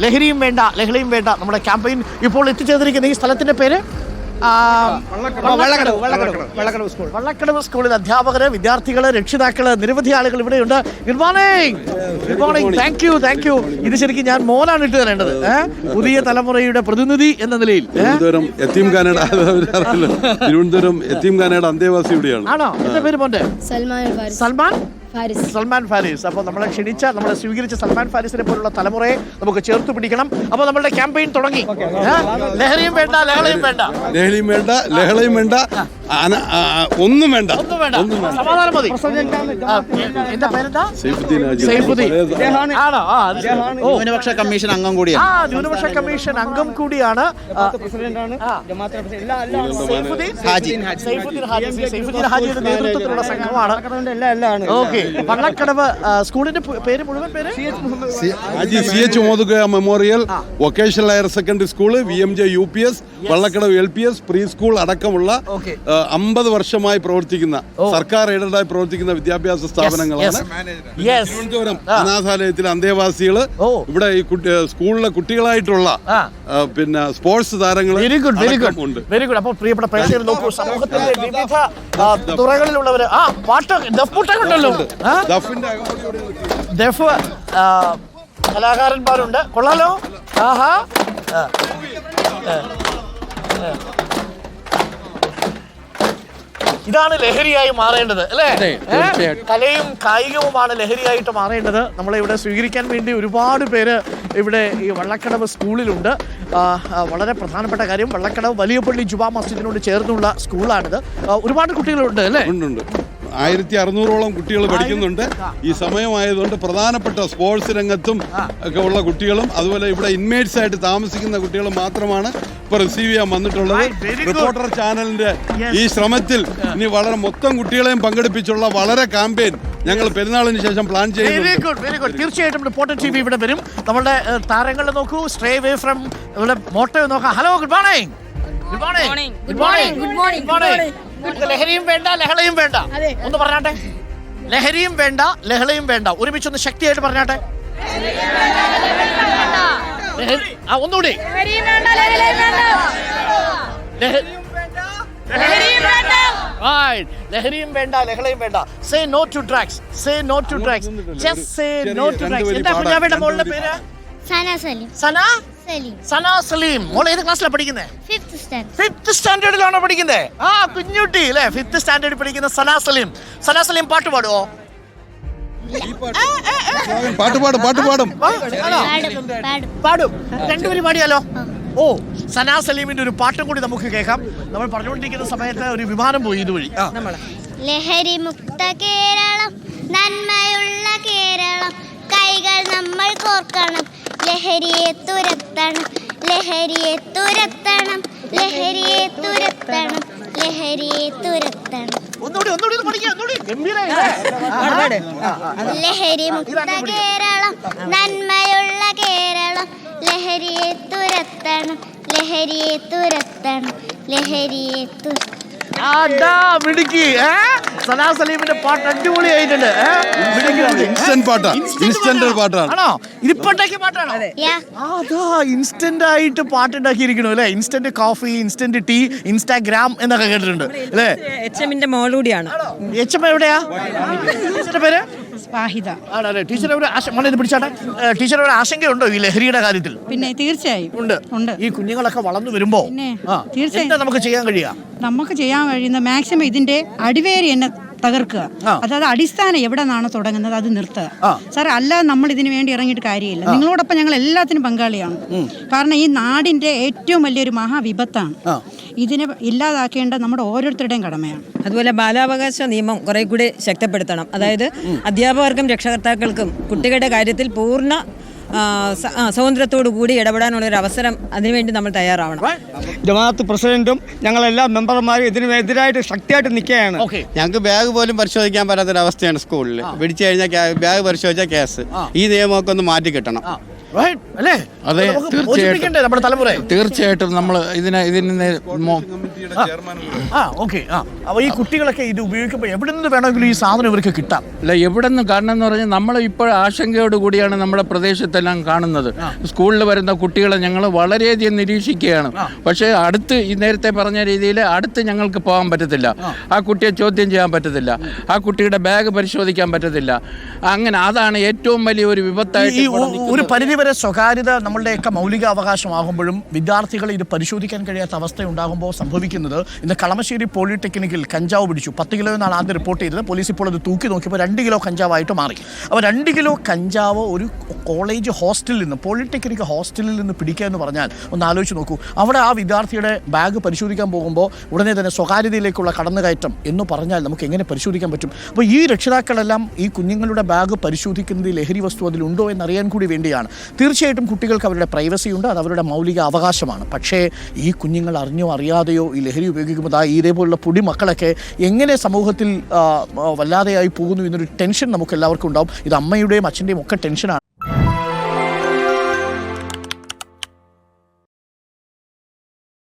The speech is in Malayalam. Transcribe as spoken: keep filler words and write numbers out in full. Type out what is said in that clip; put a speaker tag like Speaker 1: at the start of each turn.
Speaker 1: ലഹരിയും വേണ്ട ലഹരിയും വേണ്ട നമ്മുടെ ക്യാമ്പയിൻ ഇപ്പോൾ എത്തിച്ചേർന്നിരിക്കുന്ന ഈ സ്ഥലത്തിന്റെ പേര് വള്ളക്കടവ് സ്കൂളിൽ അധ്യാപകര്, വിദ്യാർത്ഥികള്, രക്ഷിതാക്കള്, നിരവധി ആളുകൾ ഇവിടെയുണ്ട്. Good morning, good morning. Thank you thank you ഇത് ശരിക്കും ഞാൻ മോനാണ് ഇട്ട് തരേണ്ടത്, പുതിയ തലമുറയുടെ പ്രതിനിധി എന്ന നിലയിൽ.
Speaker 2: തിരുവനന്തപുരം തിരുവനന്തപുരം എത്തീംഖാനയുടെ അന്തേവാസി ഇവിടെയാണ്.
Speaker 1: ആണോ? എന്റെ പേര് മോന്റെ
Speaker 3: സൽമാൻ
Speaker 1: സൽമാൻ
Speaker 3: ഫാരിസ്.
Speaker 1: സൽമാൻ ഫാരിസ്. അപ്പോൾ നമ്മളെ ക്ഷണിച്ച, നമ്മളെ സ്വീകരിച്ച സൽമാൻ ഫാരിസിനെ പോലുള്ള തലമുറയെ നമുക്ക് ചേർത്ത് പിടിക്കണം. അപ്പോൾ നമ്മളുടെ ക്യാമ്പയിൻ തുടങ്ങി. ലഹരിയും വേണ്ട ലഹളയും വേണ്ട
Speaker 2: ലഹരിയും വേണ്ട ലഹളയും വേണ്ട ഒന്നും വേണ്ട
Speaker 1: ഒന്നും വേണ്ട സമാധാനം മതി. എന്താ പേരെന്താ? ആണോ?
Speaker 4: ന്യൂനപക്ഷ കമ്മീഷൻ അംഗം കൂടിയാണ്.
Speaker 1: ആ ന്യൂനപക്ഷ കമ്മീഷൻ അംഗം കൂടിയാണ്. സൈഫുദ്ദീൻ ഹാജിയുടെ നേതൃത്വത്തിലുള്ള സംഘമാണ്. ഓക്കെ, വള്ളക്കടവ് സ്കൂളിന്റെ പേര് മുഴുവൻ പേര്
Speaker 2: സി എച്ച് മോദുഗയ memorial vocational higher secondary school, V M J U P S, Vallakkadavu L P S, pre school അടക്കമുള്ള അമ്പത് വർഷമായി പ്രവർത്തിക്കുന്ന, സർക്കാർ എയ്ഡഡായി പ്രവർത്തിക്കുന്ന വിദ്യാഭ്യാസ സ്ഥാപനങ്ങളാണ്. തിരുവനന്തപുരം അനാഥാലയത്തിലെ അന്തേവാസികള്, ഇവിടെ ഈ സ്കൂളിലെ കുട്ടികളായിട്ടുള്ള പിന്നെ സ്പോർട്സ് താരങ്ങൾ
Speaker 1: ഉണ്ട്. Very good. അപ്പോൾ പ്രിയപ്പെട്ട പ്രേക്ഷകർ നോക്കൂ, സമൂഹത്തിന്റെ വിവിധ തുറകളിലുള്ളവര് ആ പാട്ട് ദഫ്മുട്ടൊണ്ടല്ലോ, ദഫ് കലാകാരന്മാരുണ്ട്. കൊള്ളാലോ. ആഹാ, ഇതാണ് ലഹരിയായി മാറേണ്ടത് അല്ലേ? കലയും കായികവുമാണ് ലഹരിയായിട്ട് മാറേണ്ടത്. നമ്മളെ ഇവിടെ സ്വീകരിക്കാൻ വേണ്ടി ഒരുപാട് പേര് ഇവിടെ ഈ വള്ളക്കടവ് സ്കൂളിലുണ്ട്. വളരെ പ്രധാനപ്പെട്ട കാര്യം, വള്ളക്കടവ് വലിയ പള്ളി ജുമാ മസ്ജിദിനോട് ചേർന്നുള്ള സ്കൂളാണിത്. ഒരുപാട് കുട്ടികളുണ്ട് അല്ലേ?
Speaker 2: ഉണ്ട്. ആയിരത്തി അറുന്നൂറോളം കുട്ടികൾ പഠിക്കുന്നുണ്ട്. ഈ സമയമായതുകൊണ്ട് പ്രധാനപ്പെട്ട സ്പോർട്സ് രംഗത്തും ഒക്കെ ഉള്ള കുട്ടികളും അതുപോലെ ഇവിടെ ഇൻമേറ്റ്സ് ആയിട്ട് താമസിക്കുന്ന കുട്ടികളും മാത്രമാണ് ഇപ്പൊ റിസീവ് ചെയ്യാൻ വന്നിട്ടുള്ളത്. റിപ്പോർട്ടർ ചാനലിന്റെ ഈ ശ്രമത്തിൽ ഇനി വളരെ മൊത്തം കുട്ടികളെയും പങ്കെടുപ്പിച്ചുള്ള വളരെ ക്യാമ്പയിൻ ഞങ്ങൾ പെരുന്നാളിന് ശേഷം പ്ലാൻ ചെയ്യുന്നു.
Speaker 1: തീർച്ചയായിട്ടും റിപ്പോർട്ടർ ടി വി ഇവിടെ വരും. നമ്മുടെ താരങ്ങളെ നോക്കൂ, സ്റ്റേ അവേ ഫ്രം ഇവിടെ മോട്ടോ നോക്കാം. Hello, good morning. Good morning good morning good morning good morning ലഹരിയും വേണ്ട ലഹളയും വേണ്ട ഒന്ന് പറഞ്ഞാട്ടെ. ലഹരിയും വേണ്ട ലഹളയും വേണ്ട ഒരുമിച്ചൊന്ന് ശക്തിയായിട്ട് പറഞ്ഞാട്ടെ. ഒന്നുകൂടി. ലഹരിയും വേണ്ട ലഹളയും വേണ്ട. Say no to drugs. Say no to drugs. Just say no to drugs. എന്താ കുഞ്ഞാവയുടെ മോളുടെ പേര്?
Speaker 3: സന സലീം.
Speaker 1: സന
Speaker 3: സലീം.
Speaker 1: സന സലീം. മോൾ ഏത് ക്ലാസ്സിലാണ് പഠിക്കുന്നത്?
Speaker 3: Fifth standard.
Speaker 1: ഫിഫ്ത്ത് സ്റ്റാൻഡേർഡിലാണോ പഠിക്കുന്നത്? ആ കുഞ്ഞുട്ടി അല്ലേ, ഫിഫ്ത്ത് സ്റ്റാൻഡേർഡിൽ പഠിക്കുന്ന സന സലീം. സന സലീം പാട്ട് പാടുവോ?
Speaker 2: പാട്ട് പാടും പാട്ട് പാടും
Speaker 1: പാടും രണ്ടുപേരും പാടിയാലോ? ഓ, സന സലീമിന്റെ ഒരു പാട്ടും കൂടി നമുക്ക് കേൾക്കാം. നമ്മൾ പറഞ്ഞുകൊണ്ടിരിക്കുന്ന സമയത്ത് ഒരു വിമാനം പോയി ഇതുവഴി.
Speaker 3: ലഹരി മുക്ത കേരളം, നന്മയുള്ള കേരളം, കൈകൾ നമ്മൾ കോർക്കണം, ലഹരിയെ തുരത്തണം, ലഹരിയെ തുരത്തണം, ലഹരിയെ തുരത്തണം, ലഹരിയെ തുരത്തണം. ലഹരി മുക്ത കേരളം, നന്മയുള്ള കേരളം, ലഹരിയെ തുരത്തണം, ലഹരിയെ തുരത്തണം, ലഹരിയെ തുരത്തണം.
Speaker 1: സനാ സലീമിന്റെ പാട്ട് അടിപൊളിയായിട്ടുണ്ട്.
Speaker 2: ഇൻസ്റ്റന്റ് പാട്ടാണ്. ഇൻസ്റ്റന്റ് പാട്ടാണ്.
Speaker 1: ആണോ? ഇതിപ്പോണ്ടാക്കിയ പാട്ടാണോ? അതാ ഇൻസ്റ്റന്റ് ആയിട്ട് പാട്ടുണ്ടാക്കിയിരിക്കണു അല്ലേ? Instant coffee, instant tea, Instagram എന്നൊക്കെ കേട്ടിട്ടുണ്ട് അല്ലേ?
Speaker 5: എച്ച് എമ്മിന്റെ മോളൂടിയാണ്.
Speaker 1: എച്ച് എം എവിടെയാ? ടീച്ചറുടെ പേര്
Speaker 5: വാഹിദ.
Speaker 1: ആണല്ലേ? ടീച്ചർ പിടിച്ചാട്ടെ. ടീച്ചർ ഒരു ആശങ്കയുണ്ടോ ഈ ലഹരിയുടെ കാര്യത്തിൽ?
Speaker 5: പിന്നെ തീർച്ചയായും
Speaker 1: ഉണ്ട് ഉണ്ട്. ഈ കുഞ്ഞുങ്ങളൊക്കെ വളർന്നു വരുമ്പോ തീർച്ചയായും നമുക്ക് ചെയ്യാൻ കഴിയാ
Speaker 5: നമുക്ക് ചെയ്യാൻ കഴിയുന്ന മാക്സിമം ഇതിന്റെ അടിവേരി എന്നെ തകർക്കുക. അതായത് അടിസ്ഥാനം എവിടെ നിന്നാണ് തുടങ്ങുന്നത് അത് നിർത്തുക സാർ. അല്ലാതെ നമ്മൾ ഇതിനു വേണ്ടി ഇറങ്ങിയിട്ട് കാര്യമില്ല. നിങ്ങളോടൊപ്പം ഞങ്ങൾ എല്ലാത്തിനും പങ്കാളിയാണ്. കാരണം ഈ നാടിന്റെ ഏറ്റവും വലിയൊരു മഹാവിപത്താണ്. ഇതിനെ ഇല്ലാതാക്കേണ്ട നമ്മുടെ ഓരോരുത്തരുടെയും കടമയാണ്.
Speaker 6: അതുപോലെ ബാലാവകാശ നിയമം കുറെ കൂടി ശക്തിപ്പെടുത്തണം. അതായത് അധ്യാപകർക്കും രക്ഷകർത്താക്കൾക്കും കുട്ടികളുടെ കാര്യത്തിൽ പൂർണ്ണ സ്വാതന്ത്ര്യത്തോടു കൂടി ഇടപെടാനുള്ള ഒരു അവസരം അതിനുവേണ്ടി നമ്മൾ തയ്യാറാവണം.
Speaker 7: ജമാഅത്ത് പ്രസിഡന്റും ഞങ്ങളെല്ലാ മെമ്പർമാരും ഇതിനെതിരായിട്ട് ശക്തിയായിട്ട് നിൽക്കുകയാണ്.
Speaker 4: ഞങ്ങൾക്ക് ബാഗ് പോലും പരിശോധിക്കാൻ പറ്റാത്തൊരവസ്ഥയാണ് സ്കൂളിൽ. പിടിച്ചു കഴിഞ്ഞാൽ ബാഗ് പരിശോധിച്ചാൽ കേസ്. ഈ നിയമമൊക്കെ ഒന്ന് മാറ്റി കിട്ടണം.
Speaker 1: അല്ലേ?
Speaker 8: അതെ, തീർച്ചയായിട്ടും
Speaker 1: നമ്മുടെ തലമുറ
Speaker 8: തീർച്ചയായിട്ടും നമ്മൾ ഇതിനെ ഇതിന്
Speaker 1: ആ ഓക്കെ ആ അപ്പോൾ ഈ കുട്ടികളൊക്കെ ഇത് ഉപയോഗിക്കുമ്പോൾ എവിടെ നിന്ന് വേണമെങ്കിലും ഈ സാധനം ഇവർക്ക് കിട്ടാം.
Speaker 8: അല്ല എവിടെ നിന്ന് കാരണം എന്ന് പറഞ്ഞാൽ നമ്മൾ ഇപ്പോൾ ആശങ്കയോട് കൂടിയാണ് നമ്മുടെ പ്രദേശത്തെല്ലാം കാണുന്നത്. സ്കൂളിൽ വരുന്ന കുട്ടികളെ ഞങ്ങൾ വളരെയധികം നിരീക്ഷിക്കുകയാണ്. പക്ഷേ അടുത്ത് ഈ നേരത്തെ പറഞ്ഞ രീതിയിൽ അടുത്ത് ഞങ്ങൾക്ക് പോകാൻ പറ്റത്തില്ല. ആ കുട്ടിയെ ചോദ്യം ചെയ്യാൻ പറ്റത്തില്ല. ആ കുട്ടിയുടെ ബാഗ് പരിശോധിക്കാൻ പറ്റത്തില്ല. അങ്ങനെ അതാണ് ഏറ്റവും വലിയ ഒരു വിപത്തായിട്ട്.
Speaker 1: ഈ ഒരു പരിധിവരെ സ്വകാര്യത നമ്മളുടെയൊക്കെ മൗലിക അവകാശമാകുമ്പോഴും വിദ്യാർത്ഥികൾ ഇത് പരിശോധിക്കാൻ കഴിയാത്ത അവസ്ഥ ഉണ്ടാകുമ്പോൾ സംഭവിക്കുന്നത്, ഇന്ന് കളമശ്ശേരി പോളിടെക്നിക്കിൽ കഞ്ചാവ് പിടിച്ചു. പത്ത് കിലോ എന്നാണ് ആദ്യം റിപ്പോർട്ട് ചെയ്തത്. പോലീസ് ഇപ്പോൾ അത് തൂക്കി നോക്കിയപ്പോൾ രണ്ട് കിലോ കഞ്ചാവായിട്ട് മാറി. അപ്പോൾ രണ്ട് കിലോ കഞ്ചാവ് ഒരു കോളേജ് ഹോസ്റ്റലിൽ നിന്ന്, പോളിടെക്നിക് ഹോസ്റ്റലിൽ നിന്ന് പിടിക്കുക എന്ന് പറഞ്ഞാൽ ഒന്ന് ആലോചിച്ച് നോക്കൂ. അവിടെ ആ വിദ്യാർത്ഥിയുടെ ബാഗ് പരിശോധിക്കാൻ പോകുമ്പോൾ ഉടനെ തന്നെ സ്വകാര്യതയിലേക്കുള്ള കടന്നുകയറ്റം എന്ന് പറഞ്ഞാൽ നമുക്ക് എങ്ങനെ പരിശോധിക്കാൻ പറ്റും? അപ്പോൾ ഈ രക്ഷിതാക്കളെല്ലാം ഈ കുഞ്ഞുങ്ങളുടെ ബാഗ് പരിശോധിക്കുന്നത് ലഹരി വസ്തു അതിലുണ്ടോ എന്നറിയാൻ കൂടി വേണ്ടിയാണ്. തീർച്ചയായിട്ടും കുട്ടികൾക്ക് അവരുടെ പ്രൈവസി ഉണ്ട്, അത് അവരുടെ മൗലിക അവകാശമാണ്. പക്ഷേ ഈ കുഞ്ഞുങ്ങൾ അറിഞ്ഞോ അറിയാതെയോ ഈ ലഹരി ഉപയോഗിക്കുമ്പോൾ ആ ഇതേപോലുള്ള പൊടി മക്കളൊക്കെ എങ്ങനെ സമൂഹത്തിൽ വല്ലാതെയായി പോകുന്നു എന്നൊരു ടെൻഷൻ നമുക്ക് എല്ലാവർക്കും ഉണ്ടാവും. ഇത് അമ്മയുടെയും അച്ഛൻ്റെയും ഒക്കെ ടെൻഷനാണ്.